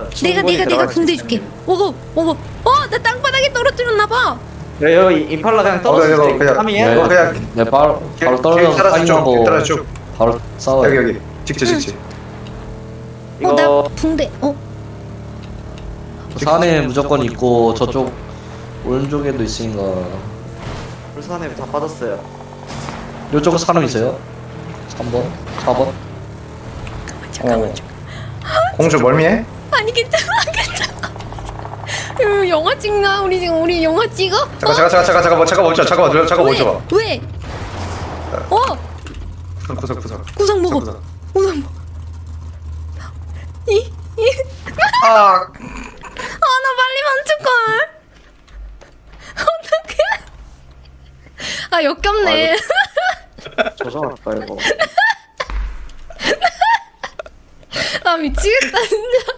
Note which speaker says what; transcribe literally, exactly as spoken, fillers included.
Speaker 1: 내가 내가 내가 붕대 줄게. 오고 오고. 어, 나 땅바닥에 떨어뜨렸나 봐.
Speaker 2: 야, 여기 임팔라 그냥
Speaker 3: 어,
Speaker 2: 떨어질
Speaker 3: 이거
Speaker 2: 때
Speaker 3: 그냥-
Speaker 2: 삼이야?
Speaker 3: 네. 그냥-
Speaker 4: 네, 바로 바로
Speaker 3: 길
Speaker 4: 떨어져서
Speaker 3: 따라서 쭉,
Speaker 4: 파밍하고
Speaker 3: 길 따라서 쭉.
Speaker 4: 바로 싸워요.
Speaker 3: 여기 여기 직지 직지.
Speaker 1: 어, 나
Speaker 2: 이거
Speaker 1: 붕대. 어,
Speaker 4: 산에 무조건 있고 저쪽 오른쪽에도 있으니까
Speaker 2: 불산에 다 빠졌어요.
Speaker 4: 이쪽에 사람 있어요. 삼 번, 사 번.
Speaker 1: 잠깐만.
Speaker 3: 어. 공주 멀미해?
Speaker 1: 아니 괜찮아 괜찮아. 이거 영화 찍나? 우리 지금 우리 영화 찍어?
Speaker 3: 잠깐 잠깐 잠깐 잠깐 잠깐 잠깐 멈춰 잠깐 멈춰 잠깐 멈춰 봐.
Speaker 1: 왜? 어,
Speaker 3: 구석 구석 구석.
Speaker 1: 구상 먹어.
Speaker 3: 구석.
Speaker 1: 구상 먹어. 이, 이.
Speaker 3: 아
Speaker 1: 아, 나 빨리 멈출걸. 어떡해. 아, 역겹네.
Speaker 2: 조져놨다 이거.
Speaker 1: 아, 미치겠다, 진짜.